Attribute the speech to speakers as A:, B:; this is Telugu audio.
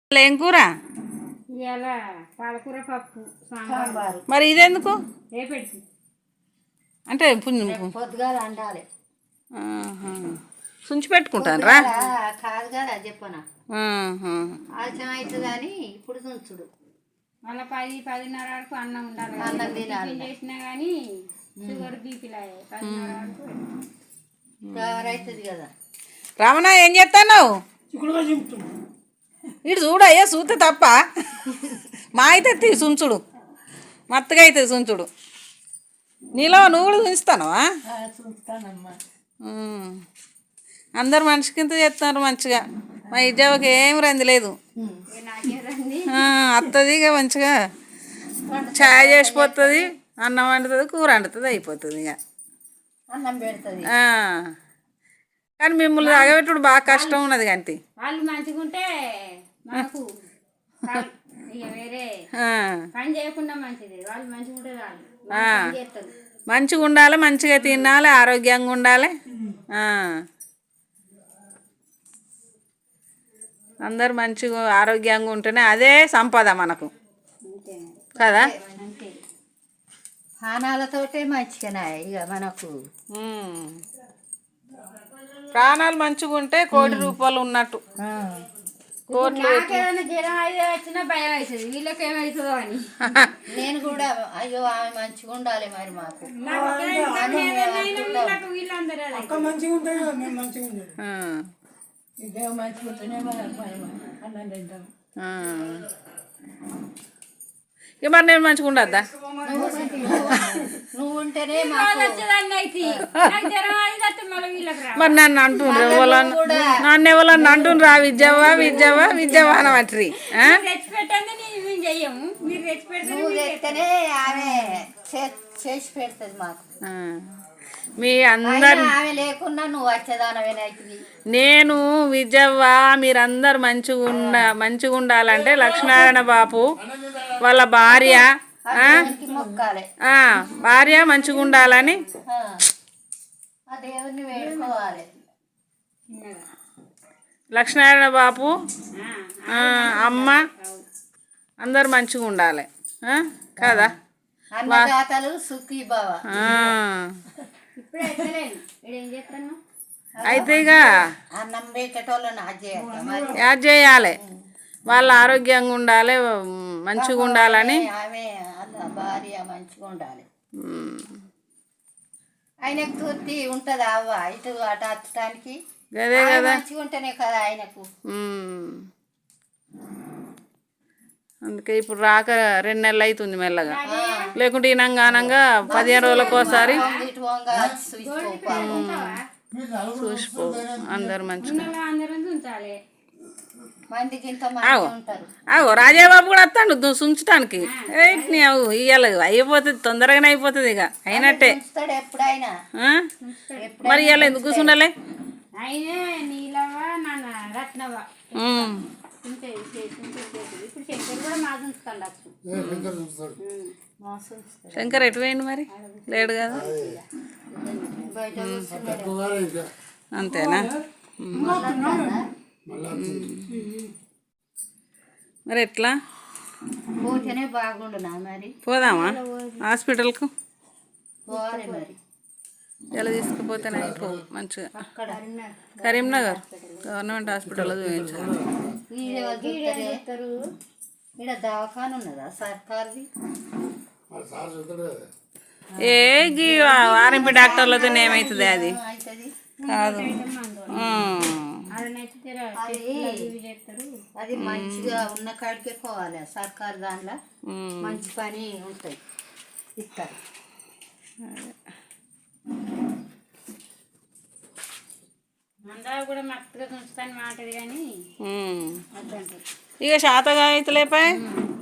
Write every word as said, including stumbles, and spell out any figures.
A: ఏం కూర?
B: ఇలా పాలకూర పప్పు సాంబారు.
A: మరి ఇదెందుకు
B: రేపెట్టి
A: అంటే
C: పొద్దుగాల అండాలి.
A: సుంచి పెట్టుకుంటారా?
C: కాదు కదా చెప్పనా, ఆలస్యం అవుతుంది అని ఇప్పుడు తుంచుడు.
B: మళ్ళీ పది పదిన్నర వరకు అన్నం ఉండాలి.
C: అన్నం తినాలి.
B: చేసినా కానీ షుగర్ బీపీలా పదిన్నర వరకు
C: కవర్ అవుతుంది కదా.
A: రమణ ఏం చేస్తావు? ఇటు చూడయ్యా, చూస్తే తప్ప మా అయితే సుంచుడు మత్తగా అవుతుంది సుంచుడు. నీలో నువ్వు కూడా చూస్తానవా?
C: చూస్తానమ్మా.
A: అందరు మనిషి కింద చేస్తున్నారు మంచిగా. మా ఇజ్జవకి ఏం రంది లేదు, వస్తుంది ఇక మంచిగా ఛాయ్ చేసిపోతుంది, అన్నం వండుతుంది, కూర వండుతుంది, అయిపోతుంది ఇక
C: అన్నం పెడుతుంది.
A: కానీ మిమ్మల్ని అగబెట్టుడు బాగా కష్టం ఉన్నది. కానీ
B: వాళ్ళు మంచిగా ఉంటే మనకు ఇక వేరే పని చేయకుండా మంచిది. వాళ్ళు మంచిగా ఉంటే చాలు, చేస్తారు.
A: మంచిగా ఉండాలి, మంచిగా తినాలి, ఆరోగ్యంగా ఉండాలి. అందరు మంచిగా ఆరోగ్యంగా ఉంటేనే అదే సంపద మనకు కదా.
C: ప్రాణాలతోటే మంచిగానే ఇక మనకు.
A: ప్రాణాలు మంచిగా ఉంటే కోటి రూపాయలు ఉన్నట్టు. కోట్లు
B: జ్వరం అయితే వచ్చినా భయం అవుతుంది, వీళ్ళకి ఏమవుతుందో అని.
C: నేను కూడా అయ్యో ఆమె మంచిగా ఉండాలి మరి మాకు.
A: ఇక మరి నేను మంచిగా ఉండద్దా?
C: నువ్వు ఉంటేనే
A: మరి నన్ను అంటుండ్రు, ఎవరన్నా నన్ను ఎవరన్నా అంటుండ్రా విద్యవా విద్యవా విద్యవా అనవట్రి.
C: నువ్వు తెస్తేనే ఆమె చేసి పెడుతుంది మాకు.
A: మీ అందరు
C: ఆమె లేకున్నా నువ్వు వచ్చేదానవేనైతుంది.
A: నేను విజవ్వ మీరందరు మంచిగా ఉండ మంచిగా ఉండాలంటే లక్ష్మీనారాయణ బాపు వాళ్ళ భార్య
C: మొక్కాలి,
A: భార్య మంచిగా ఉండాలని
C: ఆ దేవుణ్ణి వేడుకోవాలి.
A: లక్ష్మీనారాయణ బాపు అమ్మ అందరు మంచిగా ఉండాలి కదా.
C: అన్నదాతలు సుఖీ భవ.
A: అయితే ఇక
C: అన్నం పెట్టేటోళ్ళని
A: యాడ్ చేయాలి, వాళ్ళు ఆరోగ్యంగా ఉండాలి, మంచిగా ఉండాలని.
C: ఆమె భార్య మంచిగా ఉండాలి. ఆయనకు తృప్తి ఉంటుంది అవ్వ ఇటు అటు అచ్చటానికి.
A: అదే కదా,
C: మంచిగా ఉంటేనే కదా ఆయనకు.
A: అందుకే ఇప్పుడు రాక రెండు నెలలు అవుతుంది మెల్లగా, లేకుంటే ఈనంగానంగా పదిహేను రోజులకు ఒకసారి చూసిపో. అందరు మంచిగా. అవు రాజాబాబు కూడా వస్తాడు సుంచటానికి. అవు ఇవాళ అయిపోతుంది, తొందరగానే అయిపోతుంది ఇక అయినట్టే. మరి ఇవాళ ఎందుకు కూర్చుండాలి? శంకర్ ఎటు పోయింది మరి? లేడు కదా, అంతేనా? మరి ఎట్లా
C: పోతేనే బాగుండునా మరి?
A: పోదామా హాస్పిటల్కు?
C: పోవాలి మరి.
A: ఎలా తీసుకుపోతేనే అయిపో మంచిగా. కరీంనగర్ గవర్నమెంట్ హాస్పిటల్లో చూపించాలి.
C: ఇక్కడ దవాఖాన ఉన్నదా సర్కార్ది?
A: ఏ గీ ఆర్ఎంపీ డాక్టర్లతో ఏమవుతుంది? అది కాదు,
C: అది మంచిగా ఉన్న కాడికే పోవాలి. సర్కారు దాంట్లో మంచి పని ఉంటాయి, ఇస్తారు.
B: కూడా మస్తుగా ఉంచుతాను మాటది కానీ
A: ఇక శాతగా అయితే లేపాయి.